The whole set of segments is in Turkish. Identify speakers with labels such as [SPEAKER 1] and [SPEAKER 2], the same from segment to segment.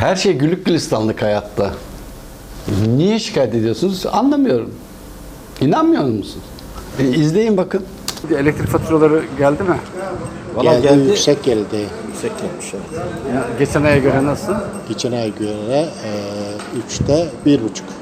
[SPEAKER 1] Her şey güllük gülistanlık hayatta. Niye şikayet ediyorsunuz? Anlamıyorum. İnanmıyor musunuz? İzleyin bakın. Elektrik faturaları geldi mi?
[SPEAKER 2] Geldi. Yüksek geldi.
[SPEAKER 3] Yüksek gelmiş. Evet.
[SPEAKER 1] Ya, geçen aya göre nasıl?
[SPEAKER 2] Geçen ay göre 3'te 1,5.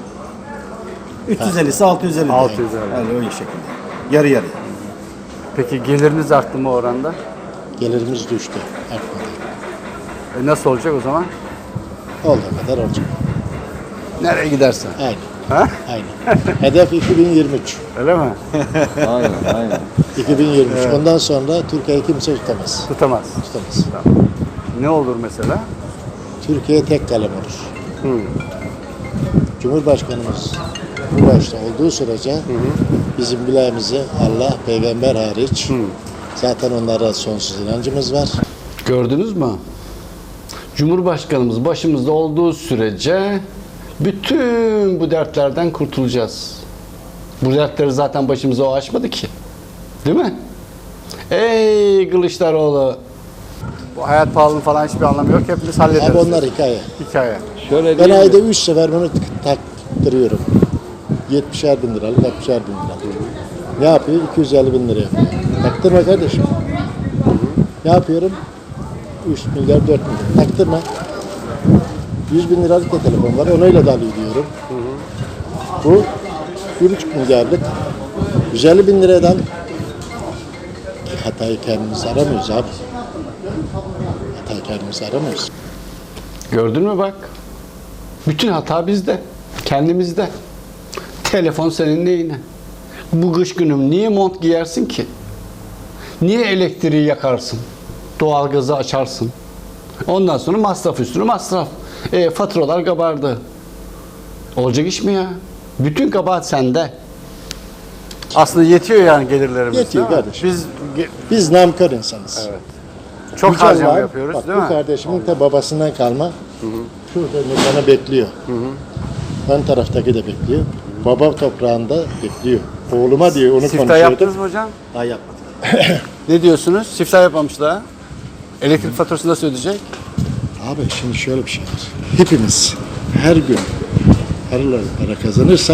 [SPEAKER 3] 350'si 650.
[SPEAKER 1] 650.
[SPEAKER 3] Yani öyle şekilde. Yarı yarı.
[SPEAKER 1] Peki geliriniz arttı mı o oranda?
[SPEAKER 2] Gelirimiz düştü. Artmadı.
[SPEAKER 1] Nasıl olacak o zaman?
[SPEAKER 2] Olduğu kadar olacak.
[SPEAKER 1] Nereye gidersen.
[SPEAKER 2] Aynı.
[SPEAKER 1] Ha?
[SPEAKER 2] Aynı. Hedef 2023.
[SPEAKER 1] Öyle mi?
[SPEAKER 3] Aynen.
[SPEAKER 2] 2023. Ondan sonra Türkiye'yi kimse tutamaz.
[SPEAKER 1] Tutamaz.
[SPEAKER 2] Tutamaz.
[SPEAKER 1] Ne olur mesela?
[SPEAKER 2] Türkiye tek kalem olur. Cumhurbaşkanımız bu başta olduğu sürece bizim bileğimizi Allah, peygamber hariç zaten onlara sonsuz inancımız var.
[SPEAKER 1] Gördünüz mü? Cumhurbaşkanımız başımızda olduğu sürece bütün bu dertlerden kurtulacağız. Bu dertleri zaten başımıza o açmadı ki. Değil mi? Ey Kılıçdaroğlu! Bu hayat pahalılığı falan hiçbir anlamı yok. Hepimiz hallederiz.
[SPEAKER 2] Abi onlar hikaye.
[SPEAKER 1] Hikaye.
[SPEAKER 3] Şöyle
[SPEAKER 2] Ben ayda 3 sefer bunu taktırıyorum. 70'er bin liralık, 60'er bin liralık. Ne yapıyor? 250 bin lira yapıyor. Taktırma kardeşim. Ne yapıyorum? 3 milyar, 4 milyar. Taktırma. 100 bin liralık da telefon var. Onayla da diyorum. Bu 1,5 milyarlık. 150 bin liradan hatayı kendimiz aramıyoruz abi. Hatayı kendimiz aramıyoruz.
[SPEAKER 1] Gördün mü bak? Bütün hata bizde. Kendimizde. Telefon senin neyine? Bu kış günüm niye mont giyersin ki? Niye elektriği yakarsın? Doğalgazı açarsın. Ondan sonra masraf üstüne masraf. Faturalar kabardı. Olacak iş mi ya? Bütün kabahat sende. Aslında yetiyor yani gelirlerimiz.
[SPEAKER 2] Yetiyor
[SPEAKER 1] değil mi?
[SPEAKER 2] kardeşim.
[SPEAKER 1] Biz
[SPEAKER 2] Biz namkör insanız.
[SPEAKER 1] evet. Çok
[SPEAKER 2] Güzel
[SPEAKER 1] harcama
[SPEAKER 2] var.
[SPEAKER 1] yapıyoruz
[SPEAKER 2] Bak,
[SPEAKER 1] değil
[SPEAKER 2] bu
[SPEAKER 1] mi?
[SPEAKER 2] kardeşimin de babasından kalma. Şurada bana bekliyor. Ön taraftaki de bekliyor. Baba toprağında bekliyor. Oğluma diyor onu
[SPEAKER 1] Siftah
[SPEAKER 2] konuşuyordu.
[SPEAKER 1] yaptınız mı hocam?
[SPEAKER 3] daha yapmadık.
[SPEAKER 1] Ne diyorsunuz? Siftah yapmamış daha. Elektrik faturasını nasıl ödeyecek?
[SPEAKER 2] Abi şimdi şöyle bir şey var. Hepimiz her gün para kazanırsak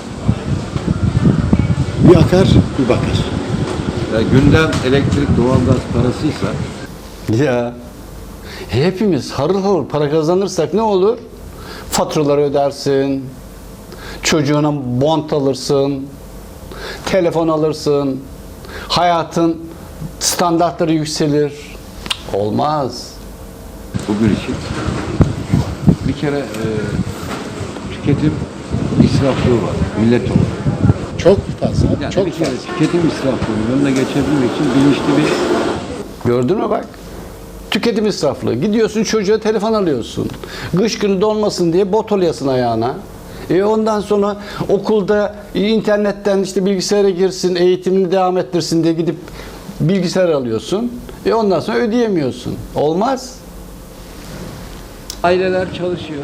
[SPEAKER 2] bir akar bir bakar.
[SPEAKER 4] Ya gündem elektrik, doğalgaz parasıysa
[SPEAKER 1] Ya hepimiz harıl harıl para kazanırsak ne olur? Faturaları ödersin, çocuğuna mont alırsın, telefon alırsın, hayatın standartları yükselir. Olmaz.
[SPEAKER 4] bugün için bir kere tüketim israflığı var millet olarak.
[SPEAKER 2] Çok fazla.
[SPEAKER 4] Yani
[SPEAKER 2] çok
[SPEAKER 4] bir kere
[SPEAKER 2] fazla.
[SPEAKER 4] tüketim israflığının önüne geçebilmek için bilinçli bir
[SPEAKER 1] Gördün mü bak? Tüketim israflığı. Gidiyorsun çocuğa telefon alıyorsun. Kış günü donmasın diye bot alıyorsun ayağına. Ondan sonra okulda internetten işte bilgisayara girsin, eğitimini devam ettirsin diye gidip bilgisayar alıyorsun. Ondan sonra ödeyemiyorsun. Olmaz.
[SPEAKER 4] aileler çalışıyor.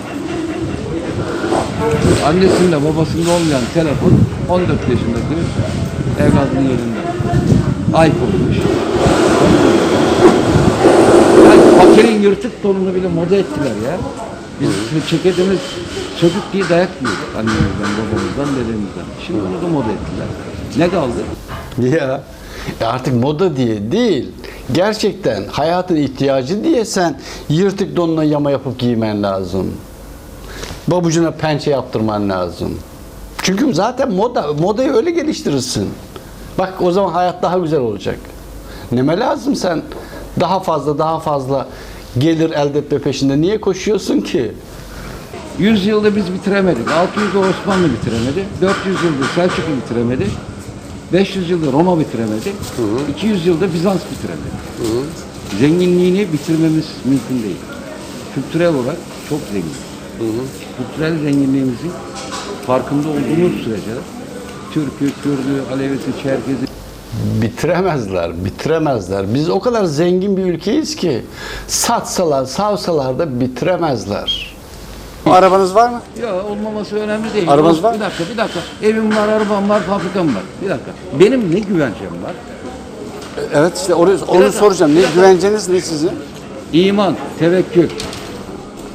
[SPEAKER 4] Annesinde babasında olmayan telefon 14 yaşındaki evladının elinde. iPhone'muş. Yani fakirin yırtık donunu bile moda ettiler ya. Biz çekediğimiz çocuk diye dayak yiyorduk annemizden, babamızdan, dedemizden. Şimdi onu da moda ettiler. Ne kaldı?
[SPEAKER 1] Ya artık moda diye değil. Gerçekten hayatın ihtiyacı diye sen yırtık donuna yama yapıp giymen lazım. Babucuna pençe yaptırman lazım. Çünkü zaten modayı öyle geliştirirsin. Bak o zaman hayat daha güzel olacak. Neme lazım sen daha fazla gelir elde etme peşinde niye koşuyorsun ki?
[SPEAKER 4] 100 yılda biz bitiremedik. 600 yılda Osmanlı bitiremedi. 400 yılda Selçuklu bitiremedi. 500 yılda Roma bitiremedi. 200 yılda Bizans bitiremedi. Zenginliğini bitirmemiz mümkün değil. Kültürel olarak çok zengin. Kültürel zenginliğimizin farkında olduğumuz sürece Türk'ü, Kürd'ü, Alevisi, Çerkez'i
[SPEAKER 1] Bitiremezler. Biz o kadar zengin bir ülkeyiz ki satsalar, savsalar da bitiremezler. Arabanız var mı?
[SPEAKER 4] ya olmaması önemli değil.
[SPEAKER 1] Arabanız var mı?
[SPEAKER 4] Bir dakika. Evim var, arabam var, fabrikam var. Bir dakika. Benim ne güvencem var?
[SPEAKER 1] Evet işte onu
[SPEAKER 4] dakika.
[SPEAKER 1] soracağım. Ne güvenceniz ne sizin?
[SPEAKER 4] İman, tevekkül.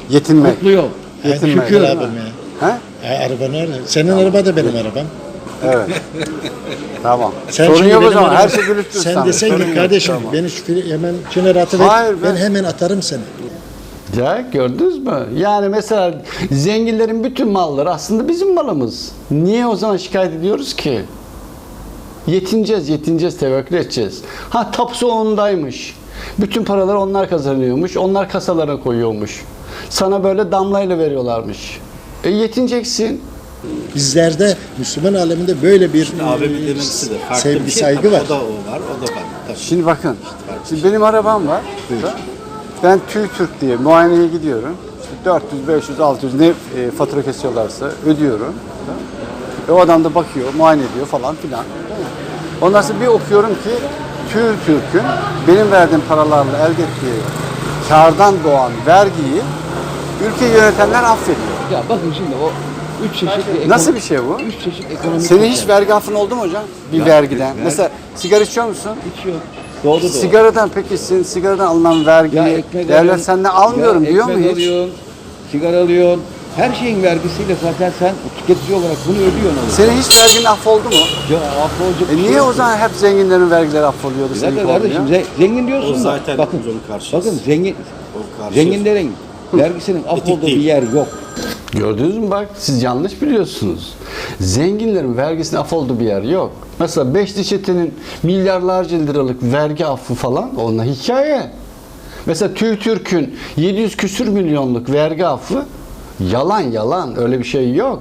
[SPEAKER 1] Yetinmek.
[SPEAKER 4] Mutlu yol.
[SPEAKER 1] Yetinmek.
[SPEAKER 2] Şükür abim ya.
[SPEAKER 1] Ha?
[SPEAKER 2] Araba nerede? Senin araba da benim arabam.
[SPEAKER 1] Evet. Tamam.
[SPEAKER 2] Sen
[SPEAKER 1] Sorun
[SPEAKER 2] şimdi
[SPEAKER 1] yok o
[SPEAKER 2] benim
[SPEAKER 1] zaman.
[SPEAKER 2] arabam-
[SPEAKER 1] Her şey gülüktür
[SPEAKER 2] Sen
[SPEAKER 1] sana.
[SPEAKER 2] desen
[SPEAKER 1] Sorun
[SPEAKER 2] ki
[SPEAKER 1] yok.
[SPEAKER 2] kardeşim
[SPEAKER 1] Tamam.
[SPEAKER 2] beni şu hemen kenara atıver.
[SPEAKER 1] Hayır,
[SPEAKER 2] ben
[SPEAKER 1] ben-
[SPEAKER 2] hemen atarım seni.
[SPEAKER 1] Ya gördünüz mü? Yani mesela zenginlerin bütün malları aslında bizim malımız. Niye o zaman şikayet ediyoruz ki? Yetineceğiz, tevekkül edeceğiz. Ha tapusu ondaymış. Bütün paraları onlar kazanıyormuş, onlar kasalara koyuyormuş. Sana böyle damlayla veriyorlarmış. Yetineceksin.
[SPEAKER 2] Bizlerde Müslüman aleminde böyle bir
[SPEAKER 3] Abimin demesi de farklı
[SPEAKER 2] sevgi,
[SPEAKER 3] bir şey.
[SPEAKER 2] saygı
[SPEAKER 3] Tabii
[SPEAKER 2] var.
[SPEAKER 3] O da o var, o da var. Tabii.
[SPEAKER 1] Şimdi bakın, şimdi benim arabam var. Ben TÜİTÜRK diye muayeneye gidiyorum. İşte 400, 500, 600 ne fatura kesiyorlarsa ödüyorum. Ve o adam da bakıyor, muayene ediyor falan filan. Ondan sonra bir okuyorum ki TÜİTÜRK'ün benim verdiğim paralarla elde ettiği kardan doğan vergiyi ülkeyi yönetenler affediyor.
[SPEAKER 4] Ya bakın şimdi o 3 çeşit bir
[SPEAKER 1] Nasıl bir şey bu?
[SPEAKER 4] 3 çeşit ekonomik
[SPEAKER 1] Senin hiç
[SPEAKER 4] sistem.
[SPEAKER 1] vergi affın oldu mu hocam? Bir vergiden. Mesela sigara içiyor musun?
[SPEAKER 4] Hiç yok. Doğru doğru.
[SPEAKER 1] Sigaradan peki senin sigaradan alınan
[SPEAKER 4] Ya
[SPEAKER 1] vergiyi
[SPEAKER 4] ekmek
[SPEAKER 1] devlet
[SPEAKER 4] alıyorsun,
[SPEAKER 1] senden almıyorum
[SPEAKER 4] ya
[SPEAKER 1] diyor mu
[SPEAKER 4] ekmek
[SPEAKER 1] hiç?
[SPEAKER 4] alıyorsun, sigara alıyorsun. Her şeyin vergisiyle zaten sen tüketici olarak bunu ödüyorsun.
[SPEAKER 1] Senin hiç vergin affoldu mu?
[SPEAKER 4] Ya affolacak bir şey
[SPEAKER 1] Niye
[SPEAKER 4] yok
[SPEAKER 1] o
[SPEAKER 4] ki.
[SPEAKER 1] zaman hep zenginlerin vergileri affoluyordu?
[SPEAKER 4] Bir
[SPEAKER 1] seninki
[SPEAKER 4] dakika kardeşim
[SPEAKER 1] olmuyor?
[SPEAKER 4] zengin diyorsun
[SPEAKER 3] O
[SPEAKER 4] da
[SPEAKER 3] zaten
[SPEAKER 4] bakın,
[SPEAKER 3] biz onun karşıyız.
[SPEAKER 4] bakın zengin,
[SPEAKER 3] O karşıyız.
[SPEAKER 4] zenginlerin vergisinin affolduğu bir
[SPEAKER 3] değil.
[SPEAKER 4] yer yok.
[SPEAKER 1] Gördünüz mü bak siz yanlış biliyorsunuz. Zenginlerin vergisinin affolduğu bir yer yok. Mesela Beşli Çete'nin milyarlarca liralık vergi affı falan onlar hikaye. Mesela TÜİTÜRK'ün 700 küsür milyonluk vergi affı yalan öyle bir şey yok.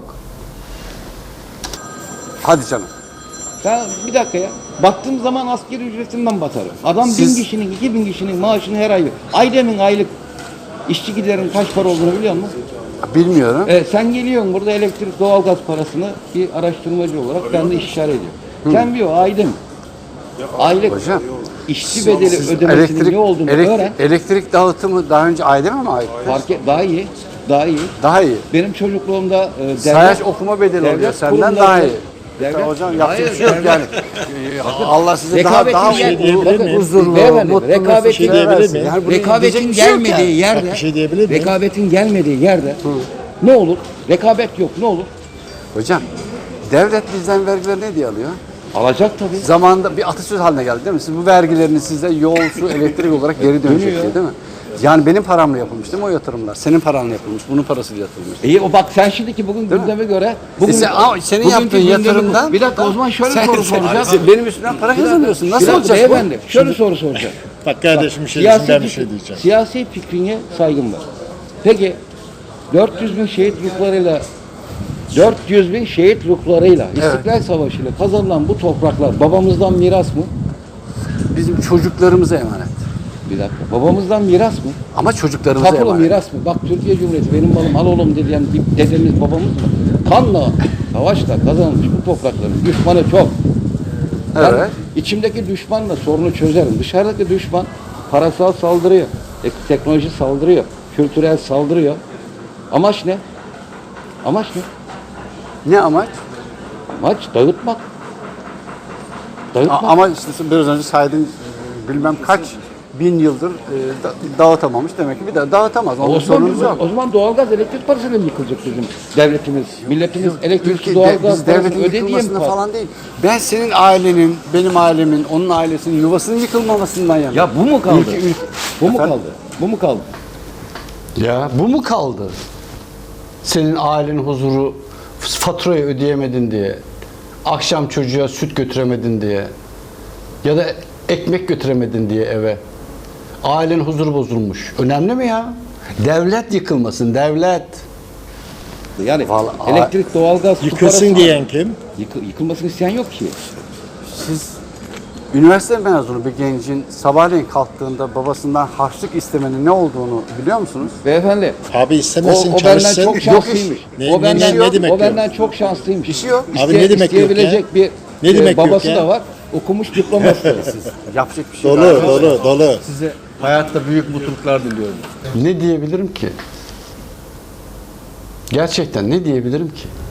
[SPEAKER 1] Hadi canım.
[SPEAKER 4] Ben bir dakika ya. Baktığım zaman asgari ücretinden batarım. Adam
[SPEAKER 1] Siz-
[SPEAKER 4] 1000 kişinin, 2000 kişinin maaşını her ay veriyor. Aydem'in aylık işçi giderin kaç para olduğunu biliyor musun?
[SPEAKER 1] Bilmiyorum.
[SPEAKER 4] Sen geliyorsun burada elektrik, doğalgaz parasını bir araştırmacı olarak ben de istişare ediyorum. Sen bir o Aydem aylık
[SPEAKER 1] Hocam,
[SPEAKER 4] işçi bedeli ödemesinin ne olduğunu öğren.
[SPEAKER 1] elektrik dağıtımı daha önce Aydem'e mi ait?
[SPEAKER 4] Fark et, daha iyi. Daha iyi.
[SPEAKER 1] Daha iyi.
[SPEAKER 4] Benim çocukluğumda
[SPEAKER 1] Sayaç okuma bedeli oluyor
[SPEAKER 4] devlet
[SPEAKER 1] senden
[SPEAKER 4] kurumları-
[SPEAKER 1] daha iyi.
[SPEAKER 4] devlet-
[SPEAKER 1] Hocam yapacak
[SPEAKER 4] Hayır,
[SPEAKER 1] bir şey yok
[SPEAKER 4] devlet-
[SPEAKER 1] yani. Allah size
[SPEAKER 4] Rekabetin
[SPEAKER 1] daha
[SPEAKER 4] gel-
[SPEAKER 2] diyebilir miyim?
[SPEAKER 1] huzurlu,
[SPEAKER 4] Beyefendi,
[SPEAKER 1] mutlu
[SPEAKER 4] rekabetin-
[SPEAKER 1] mesut
[SPEAKER 2] şey diyebilir
[SPEAKER 1] versin.
[SPEAKER 2] miyim?
[SPEAKER 1] Yani bunu diyecek
[SPEAKER 4] Rekabetin
[SPEAKER 1] bir şey yok
[SPEAKER 4] gelmediği
[SPEAKER 1] yani.
[SPEAKER 4] yerde,
[SPEAKER 2] Bak bir şey diyebilir miyim?
[SPEAKER 4] rekabetin gelmediği yerde ne olur? Rekabet yok, ne olur?
[SPEAKER 1] Hocam devlet bizden vergileri ne diye alıyor?
[SPEAKER 4] Alacak tabii.
[SPEAKER 1] Zamanında bir atasöz haline geldi değil mi? Siz bu vergilerini size yol, su, elektrik olarak geri dönecek
[SPEAKER 4] Dönüyor.
[SPEAKER 1] diye değil mi? Yani benim paramla yapılmış değil mi o yatırımlar? Senin paranla yapılmış, bunun parasıyla yapılmış.
[SPEAKER 4] İyi o bak sen şimdiki bugün gündeme göre
[SPEAKER 1] Ama senin
[SPEAKER 4] bugünkü
[SPEAKER 1] yaptığın
[SPEAKER 4] gündemi-
[SPEAKER 1] yatırımdan...
[SPEAKER 4] bir dakika o zaman şöyle
[SPEAKER 1] Sen-
[SPEAKER 4] soru
[SPEAKER 1] sen-
[SPEAKER 4] soracağım.
[SPEAKER 1] sen benim üstümden para kazanıyorsun. Nasıl
[SPEAKER 4] Bir dakika
[SPEAKER 1] olacak bu?
[SPEAKER 4] beyefendi şöyle soru soracağım.
[SPEAKER 2] Bak kardeşim bir şey desin, ben bir şey diyeceğim.
[SPEAKER 4] Siyasi fikrine saygım var. Peki 400 bin şehit ruhlarıyla 400 bin şehit ruhlarıyla İstiklal Savaşı ile kazanılan bu topraklar babamızdan miras mı?
[SPEAKER 1] Bizim çocuklarımıza emanet.
[SPEAKER 4] Bir dakika. Babamızdan miras mı?
[SPEAKER 1] Ama çocuklarımıza
[SPEAKER 4] Tapulu
[SPEAKER 1] emanet.
[SPEAKER 4] miras mı? Bak Türkiye Cumhuriyeti benim malım al oğlum diyen dedemiz babamız mı? Kanla, savaşla kazanılmış bu toprakların düşmanı çok. Ben
[SPEAKER 1] Evet.
[SPEAKER 4] içimdeki düşmanla sorunu çözerim. Dışarıdaki düşman parasal saldırıyor, teknoloji saldırıyor, kültürel saldırıyor. Amaç ne? Amaç ne?
[SPEAKER 1] Ne amaç?
[SPEAKER 4] Amaç dağıtmak. Dağıtmak.
[SPEAKER 1] Ama işte biraz önce saydığın bilmem kaç bin yıldır dağıtamamış demek ki bir daha dağıtamaz. Onun sorunumuz yok.
[SPEAKER 4] O zaman doğalgaz elektrik parasıyla mı yıkılacak bizim devletimiz? Milletimiz elektrik,
[SPEAKER 1] Ülke,
[SPEAKER 4] doğalgaz
[SPEAKER 1] biz
[SPEAKER 4] parasını
[SPEAKER 1] devletin
[SPEAKER 4] ödediği mi
[SPEAKER 1] yıkılmasında
[SPEAKER 4] falan?
[SPEAKER 1] falan değil. Ben senin ailenin, benim ailemin, onun ailesinin yuvasının yıkılmamasından yanayım.
[SPEAKER 4] Ya bu mu kaldı? Bu mu
[SPEAKER 1] Efendim?
[SPEAKER 4] kaldı? Bu mu kaldı?
[SPEAKER 1] Ya bu mu kaldı? Senin ailenin huzuru faturayı ödeyemedin diye, akşam çocuğa süt götüremedin diye ya da ekmek götüremedin diye eve. Ailenin huzuru bozulmuş. Önemli mi ya? Devlet yıkılmasın, devlet.
[SPEAKER 4] Yani
[SPEAKER 1] Vallahi-
[SPEAKER 4] elektrik, doğalgaz, su
[SPEAKER 2] Yıkılsın
[SPEAKER 4] parası-
[SPEAKER 2] diyen kim?
[SPEAKER 4] Yıkılmasını isteyen yok ki.
[SPEAKER 1] Siz üniversite mezunu bir gencin sabahleyin kalktığında babasından harçlık istemenin ne olduğunu biliyor musunuz?
[SPEAKER 4] Beyefendi,
[SPEAKER 2] Abi istemesin,
[SPEAKER 4] o benden
[SPEAKER 2] çalışsın.
[SPEAKER 4] çok
[SPEAKER 2] Yok
[SPEAKER 4] şanslıymış.
[SPEAKER 2] Ne-
[SPEAKER 4] o benden,
[SPEAKER 2] ne demek
[SPEAKER 4] o
[SPEAKER 2] yok?
[SPEAKER 4] benden çok şanslıymış.
[SPEAKER 1] İşi yok.
[SPEAKER 2] Abi ne demek yok
[SPEAKER 4] İsteyebilecek bir
[SPEAKER 2] Ne demek yok
[SPEAKER 4] babası
[SPEAKER 2] ya?
[SPEAKER 4] da var. Okumuş diploması da var.
[SPEAKER 1] Yapacak bir şey
[SPEAKER 2] Dolu,
[SPEAKER 1] yok.
[SPEAKER 2] dolu.
[SPEAKER 1] Size hayatta büyük mutluluklar diliyorum. Ne diyebilirim ki? Gerçekten ne diyebilirim ki?